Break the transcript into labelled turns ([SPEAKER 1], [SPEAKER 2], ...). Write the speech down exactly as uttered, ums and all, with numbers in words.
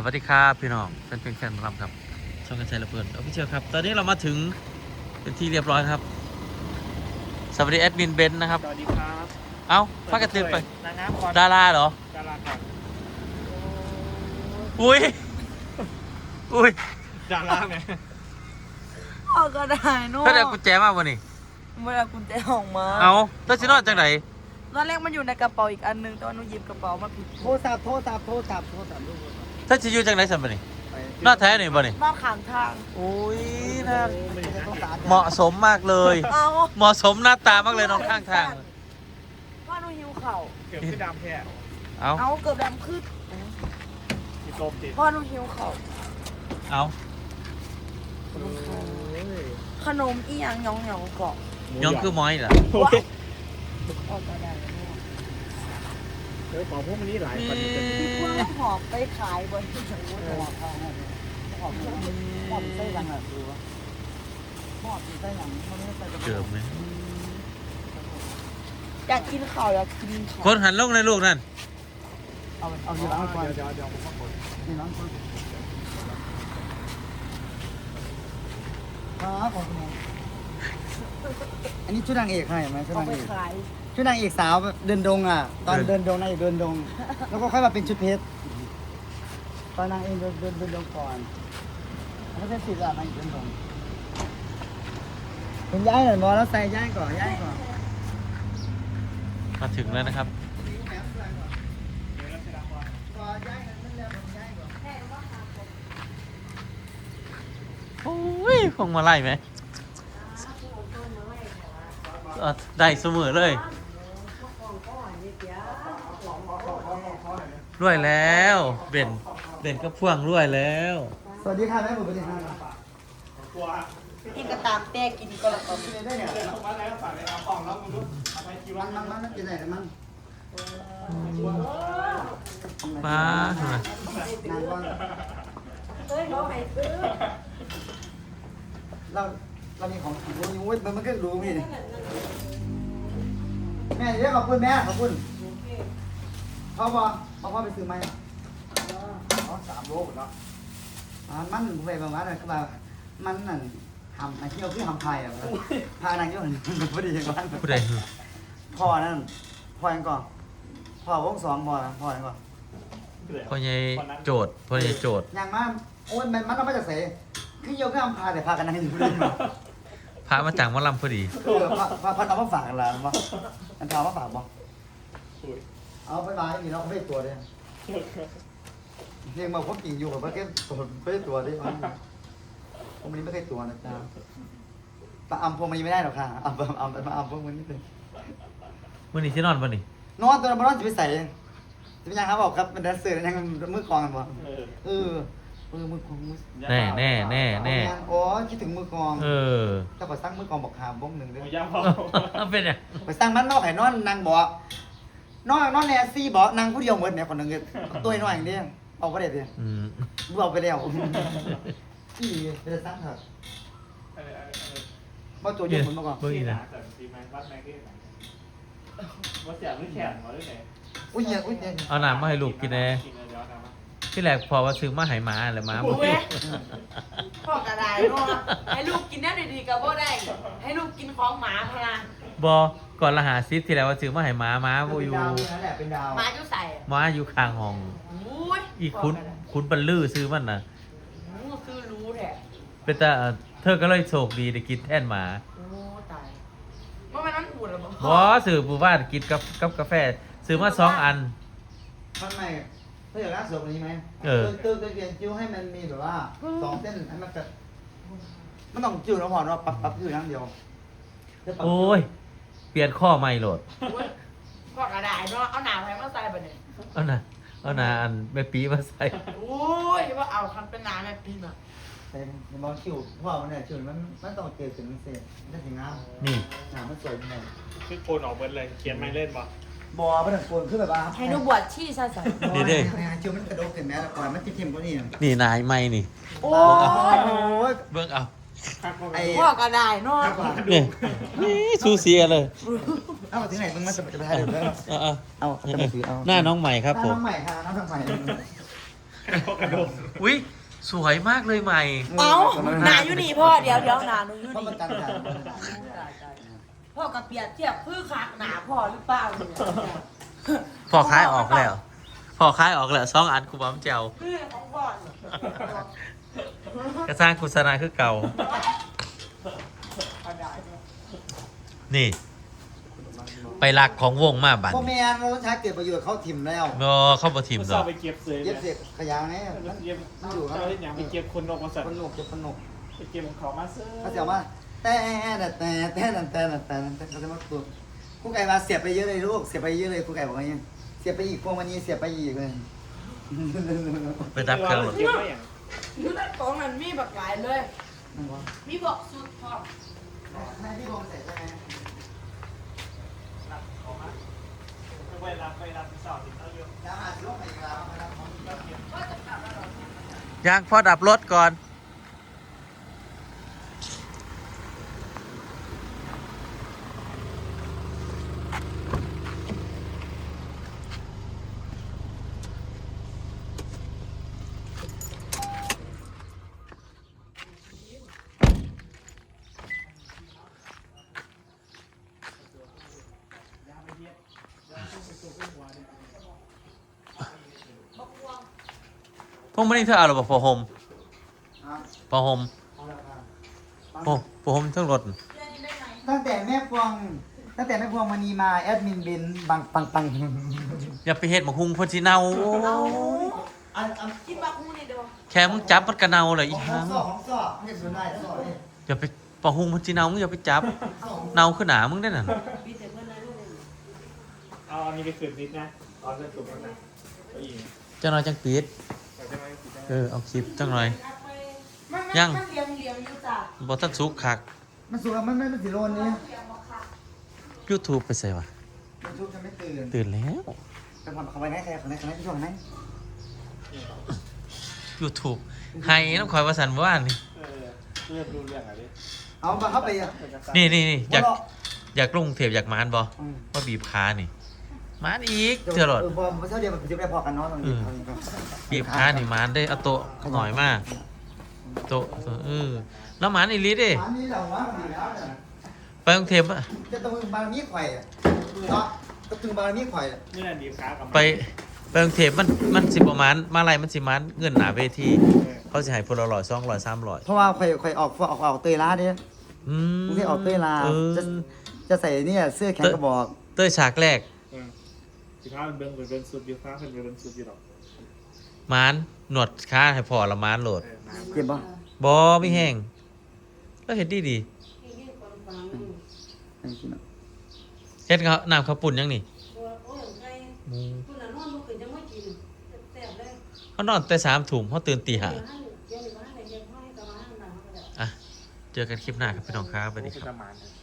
[SPEAKER 1] วัสดีครับพี่น้องแฟนเพลงแฟนรำครับช่องกันชัยระเบิดออฟฟิเชียลครับตอนนี้เรามาถึงเป็นที่เรียบร้อยครับสวัสดีแอดมินเบนซ์นะครับ
[SPEAKER 2] สวัสดีครับ
[SPEAKER 1] เอ้าพากันตื่นไป
[SPEAKER 2] นางงามก่อน
[SPEAKER 1] ดาราเหรอ
[SPEAKER 2] ดาราก่อน
[SPEAKER 1] อุ้ยอุ้ย
[SPEAKER 2] ดาราไง
[SPEAKER 3] ออกก็ได้เนอะ
[SPEAKER 1] ถ้าได้กุญแจมาวันนี้
[SPEAKER 3] เวลากุญแจออกมา
[SPEAKER 1] เอาถ้าชินอดจังไหน
[SPEAKER 3] ตอนแรกมันอยู่ในกระเป๋าอีกอันนึงแต่ว่าหนูหยิบกระเป๋ามาผิด
[SPEAKER 2] โทรศัพท์โทรศัพท์โทรศัพท์โทรศัพท์ลูก
[SPEAKER 1] ถ้าชิอยูจังไหนสัมบันนี่นอดแท้หน่อยบ่นี่
[SPEAKER 3] นอกข้างทาง
[SPEAKER 1] อุ้ยน่า
[SPEAKER 2] ไม่ได้ต้องการ
[SPEAKER 1] เหมาะสมมากเลย
[SPEAKER 3] เอา
[SPEAKER 1] เหมาะสมหน้าตามากเลยน้องข้างทาง
[SPEAKER 3] ว่าหนูหิวเข่า
[SPEAKER 2] เกือบขึ้นดำแท้
[SPEAKER 1] เอา
[SPEAKER 3] เอาเกือบดำขึ้น
[SPEAKER 2] ติดลมติด
[SPEAKER 3] พ่อหนูหิวเข่า
[SPEAKER 1] เอา
[SPEAKER 3] ขนมอีหยังหยองหยองเกาะ
[SPEAKER 1] ยองคือม้อยเหรอ
[SPEAKER 2] โอ้ย
[SPEAKER 3] ออกก็ได้เนอะ
[SPEAKER 2] เดี๋ยวของพวกมันนี้หลายคนจะ
[SPEAKER 3] ว่าหอบไปขายบนที่ฉันรู้หอบหอบหอบไส้ยังอ่ะดูว่าหอบไส้ยังมันไม่ใส่กระ
[SPEAKER 1] เกือบไหม
[SPEAKER 3] อยากกินข้าวอยากกินข้าว
[SPEAKER 1] คนหันลงในลูกนั่น
[SPEAKER 3] เอาเอา
[SPEAKER 2] เดี๋
[SPEAKER 3] อยู่
[SPEAKER 2] ยว
[SPEAKER 3] ร้านก่อน
[SPEAKER 2] เดี๋ยวเดี๋ยวผมมาคน
[SPEAKER 3] อยู่ร้านก่อนครับผมอันนี้ชุดนางเอกให้ไหมชุดนางเอกชุดนางเอกสาวเดินดงอ่ะ ตอนเดินดงนางเอกเดินดง แล้วก็ค่อยมาเป็นชุดเพชรตอนนางเอกเดินเดินเดินดงก่อนแล้วเป็นสิบอ่ะนางเอกเดินดงเป็นย้ายหน่อยบอแล้วใส่ย้ายก่อนย้ายก่อน
[SPEAKER 1] มาถึงแล้วนะครับโอ้ยคงมาไล่ไหมเออได้เสมอเลยรวยแล้วเบนเบนก็พ่วงรวยแล้ว
[SPEAKER 3] สวัสดีค่ะแม่บุ๋มสวัสดีค่ะ
[SPEAKER 2] กลัว
[SPEAKER 3] กินกระตามแต้กินก็แล้วก็
[SPEAKER 2] กินได้เนี่ยส่งมาแล้วฝากในเอาของแล้วมึงรู้เอาไปกี่วั
[SPEAKER 3] มัน นมันมันกินไหนมัน
[SPEAKER 1] มาทำไม
[SPEAKER 3] นางก่อนเฮ้ยเขาให้ซื้อเราเรามีของโอ้ยมันมันก็รู้พี่นี่แม่เดี๋ยวขอบคุณแม่ขอบคุณพ่อบอกพ่อพ่อไปซื้อไหมอ๋อสามโลหมดแล้วอ่ามันไปประมาณนั้นคือว่ามันนั่นทำไอ้เที่ยวคือทำไทยอ่ะพานางเที่ยวมันพอดีอย่างนั้น
[SPEAKER 1] ผู้ใด
[SPEAKER 3] พ่อนั่นพ่อยังก่อนพ่อวงสองพ่อพ่อยังก่อน
[SPEAKER 1] พ่อใหญ่โจทย์พ่อใหญ่โจทย์
[SPEAKER 3] อย่างมากโอ้ยมันมันต้องมาจากเสคือโยกคือทำพาแต่พากันนั่งอยู่ด้วย
[SPEAKER 1] พระมาจากหมะลำพอดี
[SPEAKER 3] เออพาพาพาเอามาฝากกันละมั้งอันพามาฝากบ่เอาไปมาอย่างนี้เราไม่ตัวเลยเรียกมาพบกิ่งอยู่กับเพื่อนตัวไม่ได้ตัวดิผมนี้ไม่เคยตัวนะจ๊ะปะอัมพวงมันยังไม่ได้หรอกค่ะอัมอัมอัมอัมพวงมันนี่เป็น
[SPEAKER 1] มื่อนี้ที่นอนป่ะนี่
[SPEAKER 3] นอนตัวนั้นนอนจะไปใส่จะเป็นยังครับบอกครับเป็นแดนเซอร์ยังมือกองกันบ่เออเออมือกองมือ
[SPEAKER 1] แน่แน่แน่แน่
[SPEAKER 3] โอ้คิดถึงมือกอง
[SPEAKER 1] เออ
[SPEAKER 3] ถ้าไปสร้างมือกองบอกหาบ้งหนึ่งเด้
[SPEAKER 2] โอ้
[SPEAKER 3] อย
[SPEAKER 2] ยพอ
[SPEAKER 1] เป็นไง
[SPEAKER 3] ไปสร้างมันนอกไห้นอนนางบ่นอนนอนแนซี่บ่นางผู้เดียวเหมือนเนี่ยคนหนึ่งตัวน้อยอย่างเดียวเอาไปเด็ดเดียว
[SPEAKER 1] อืม
[SPEAKER 3] เอาไปแล้วพี่ไปสร้างเถอะว่าตัวยืนเหมือนเมื่อก่อน
[SPEAKER 1] เบิ่งอีกนะ
[SPEAKER 2] ดีไหมวัดแม่ที่ไหนวัดเสียงหรือแขนวัดที่ไหน
[SPEAKER 3] อุ้ยเหี้ยอุ้ยเหี้ย
[SPEAKER 1] เอาน้ำมาให้ลูกกินแน่
[SPEAKER 2] กินเลยเดี๋ยวทำมา
[SPEAKER 1] ที่แรกพอว่าซื้อมาให้หมาเลยหมาบอก
[SPEAKER 4] พ่อกระไดเนาะให้ลูกกินแน่ดีๆกับพ่ได้ ให้ลูกกินของหมาพลา
[SPEAKER 1] บอก่อนละหาซิปที่แล้วว่าซื้อมาให้หมาหมาบ่
[SPEAKER 3] เป็น
[SPEAKER 1] อยู่
[SPEAKER 3] ดาวนั่นแหละเป็นดาว
[SPEAKER 4] หมาอยู่ใส่
[SPEAKER 1] หมาอยู่ข้างห้อง
[SPEAKER 4] อุ้ย
[SPEAKER 1] อีกคุณคุณบรรลือซื้อมันน่ะ
[SPEAKER 4] หูคือรู้แท้
[SPEAKER 1] เป็นแต่เธอก็เลยโชคดีได้กินแทนหมา
[SPEAKER 4] โอ้ตายว่ามันนั่นปูดหรอ
[SPEAKER 1] บ่ซื้อผู้ว่ากินกับกับกาแฟซื้อมาสองอัน
[SPEAKER 3] ท่านใหม่ถ้าอยากรักสวยกว่านี้ไหม
[SPEAKER 1] เออ
[SPEAKER 3] เติมเติมเปลี่ยนจิ้วให้มันมีแบบว่าสองเส้นให้มันกระมันต้องจิ้วแล้วพอเนาะปับปับจิ้วอย่างเดียว
[SPEAKER 1] โอ้ย เปลี่ยนข้อใหม่โหลด
[SPEAKER 4] พ่อกระไดเนาะเอาหนาไปมาใส่บ่เนี่ย
[SPEAKER 1] เอาน่ะเอาน่ะอันแม่ปีมาใส่
[SPEAKER 4] อุ้ยว่าเอาคันเป็นหนาแม่ปีน่ะ
[SPEAKER 3] แต่ในมองจิ้วเพราะว่ามันเนี่ยจิ้วมันมันต้องเกิดถึงเส้นมันถึงงาม
[SPEAKER 1] นี่
[SPEAKER 3] งามมันสวยยังไง
[SPEAKER 2] คือโกนออกเบิร์ดเลยเขียนไม่เล่นป่ะ
[SPEAKER 3] บอมันถึงโกนคือแบบว่า
[SPEAKER 4] ให้หนูบวชชีซะสั่น
[SPEAKER 1] นี่เด้
[SPEAKER 3] จิ้วมันกระโดดขึ้นแม้แต่ก่อนมันจิ้มๆกว่านี้
[SPEAKER 1] นี่นายไม่นี่
[SPEAKER 4] โอ้
[SPEAKER 3] โอ้ย
[SPEAKER 1] เบิ่งเอา
[SPEAKER 3] ไอ้
[SPEAKER 4] พ่อกระไดเนาะ
[SPEAKER 1] นี่นี่ซูเซียเลย
[SPEAKER 3] เอาถึงไหนมึงมาจะไปถ่ายเดี๋ยว
[SPEAKER 1] เอาเอา
[SPEAKER 3] เอาจะมาถือเอา
[SPEAKER 1] หน้าน้องใหม่ครับผม
[SPEAKER 3] น้องใหม่ค่ะน้องใหม่
[SPEAKER 2] กระโดด
[SPEAKER 1] อุ้ยสวยมากเลยใหม่
[SPEAKER 4] เอ้าหนาอยู่นี่พ่อเดี๋ยวเดี๋ยวหนาหนูอยู่
[SPEAKER 3] เพราะมัน
[SPEAKER 4] นี่
[SPEAKER 3] กันกัน
[SPEAKER 4] พ่อกับเปียกเทียบคือขาหนาพ่อหรือเปล่าเนี่ย
[SPEAKER 1] พอคล้ายออกแล้ว พอคล้ายออกแล้วสองอันกูบ้ามเจ้า
[SPEAKER 4] คือของพ่อเนี่ย
[SPEAKER 1] กระสร้างกุศลาคือเก่า นี่ ไปลักของวงมาบัด
[SPEAKER 3] พ่อแม่เราต้องใช้เกิดประโยชน์เขาถิ่มแล้ว
[SPEAKER 1] บอเข้าบ่ทีม
[SPEAKER 2] มัน
[SPEAKER 1] ด
[SPEAKER 2] ส
[SPEAKER 1] อ
[SPEAKER 2] อบ
[SPEAKER 1] ก
[SPEAKER 2] ไปเก็บเสือ
[SPEAKER 3] เย็บเสร็จขยะไง
[SPEAKER 2] มัน
[SPEAKER 3] มัน
[SPEAKER 2] เก็บ
[SPEAKER 3] มันอยู่ครับ
[SPEAKER 2] เจ้าอย่างไปเก็บคนออกมาสั่น
[SPEAKER 3] ขนกเก็บขนก
[SPEAKER 2] ไปเก็บของเขามาเสือ
[SPEAKER 3] เขาจะว่าแต่แต่แต่แต่แต่แต่แต่แต่เขาจะมาตัวครูไก่มาเสียบไปเยอะเลยลูกเสียบไปเยอะเลยครูไก่บอกว่าอย่างเสียบไปอีกพวกวันนี้เสียบไปอีกเลย
[SPEAKER 1] ไปดับเครื่องรถ
[SPEAKER 2] เก็บไว้อย่าง
[SPEAKER 4] อยู่ในกล่องนั้นมีบักหลายเลย
[SPEAKER 3] นั่นวะ
[SPEAKER 4] มีบอกสุดพ่อ
[SPEAKER 3] แม่พี่บงใส่ใช่ไหม
[SPEAKER 2] ไปรับไปรับสอบติดเอาอยู่
[SPEAKER 3] น้ำอาจจะลงไปอีกแล้วนะครับ
[SPEAKER 1] ยังพอดับรถก่อน พวกมันนี่เธอเอาหรือเปล่าพอโฮมพอโฮมโอ้พอโฮมทั้งรถ
[SPEAKER 3] ตั้งแต่แม่พวงตั้งแต่แม่พวงมณีมาแอดมินบินบังปังปัง
[SPEAKER 1] อย่าไปเห็ดหมกฮุงเพ่นสิเนาโอ้
[SPEAKER 4] เอา
[SPEAKER 3] อันอัน
[SPEAKER 4] คิดบักมูนี่เด้อ
[SPEAKER 1] แค่มึงจับมันกระเนาเลยอี
[SPEAKER 3] ของ
[SPEAKER 1] ห้าม
[SPEAKER 3] ซ่อของซ่อไม่ใช่ส่วนได้ซ่อเนี่ย
[SPEAKER 1] อย่าไปปะฮุงเพ่นสิเนามึงอย่าไปจับ เนาขึ้นหนามึงได้น่ะ
[SPEAKER 4] มีแต่เพื่อนในลูกเลย
[SPEAKER 2] เอาอันนี้ไปขืนนิดนะเอาเส้นตุ่มมันนะเอาอีก
[SPEAKER 1] เจ้าน้อยจังปิด
[SPEAKER 2] เอาจะไม่ติดได้
[SPEAKER 1] เออเอาคลิปจังหน่อย
[SPEAKER 4] มัน
[SPEAKER 1] ยัง
[SPEAKER 4] มันเลี้ยงเลี้ยงอยู่จ้ะ
[SPEAKER 1] บ่ทันสุกคัก
[SPEAKER 3] มันสุกแล้วมันไม่มันสีโรนเนี่ย
[SPEAKER 4] เลี้ยงบ่ค่ะ
[SPEAKER 1] YouTube ไปใส่วะ
[SPEAKER 3] มันชุบจะไม่ตื่น
[SPEAKER 1] ตื่นแล้ว
[SPEAKER 3] จะทำเขาไปไหนใครเขาไหนเขาไหนที่ช่วงไหน
[SPEAKER 1] YouTube ให้น้ำข่อยว่าสันว่านี่
[SPEAKER 2] เออเริ่มรู้เรื่องอะไรดิ
[SPEAKER 3] เอามาเข้าไปอ่ะ
[SPEAKER 1] นี่นี่นี่อยาก
[SPEAKER 3] บ่ร
[SPEAKER 1] อยากลงเทปอยากมานบ่
[SPEAKER 3] อืม
[SPEAKER 1] ว่าบีบขานี่มานอีกเจอรถ
[SPEAKER 3] เออพอมาเช้าเดียวมันจะได้พอกันเนาะตรงนี้
[SPEAKER 1] บีบขานี่มานได้เอาโต๊ะหน่อยมากโต๊ะเออแล้วมานอีหลีเด้
[SPEAKER 3] อันนี้เราว่าดีแล้วเนี่ย
[SPEAKER 1] ไปกรุงเทพอะ
[SPEAKER 3] จะต้องบารมีไข่เนาะต้องถึงบารมีไข่
[SPEAKER 2] นี่แหละดีบขากับ
[SPEAKER 1] ไปไปกรุงเทพมันมันสิประมาณมาอะไรมันสิมันเงินหนาเวทีเขาสิให้พลละร้อยสองร้อยสามร้อย
[SPEAKER 3] เพราะว่าไข่ไข่ออกออกออกเตยล้าเนี่ย
[SPEAKER 1] อืม
[SPEAKER 3] ที่ออกเตยลา
[SPEAKER 1] เออ
[SPEAKER 3] จะจะใส่เนี่ยเสื้อแขนกระบอก
[SPEAKER 1] เต้ยฉากแรก
[SPEAKER 2] สิบห้าเป็นเบิ้งเป็นเบิ้งสุดอยู่ฟ้าเป็นเบิ้งสุดอยู่หรอก
[SPEAKER 1] มานหนวดขาให้พอละมานโหลด
[SPEAKER 2] เออน้ำ
[SPEAKER 3] เจ็บป่ะ
[SPEAKER 1] บอไม่แห้งแล้วเห็ดดีดีเฮ็ดเขาน้ำข้าวปุ่นยังนี่อืมเขานอนแต่สามถุงเขาตื่นตีห้าอ่ะเจอกันคลิปหน้าครับพี่น้องครับสวัสดี
[SPEAKER 2] โอ้
[SPEAKER 1] ครับ
[SPEAKER 2] เป็นประมาณนั้น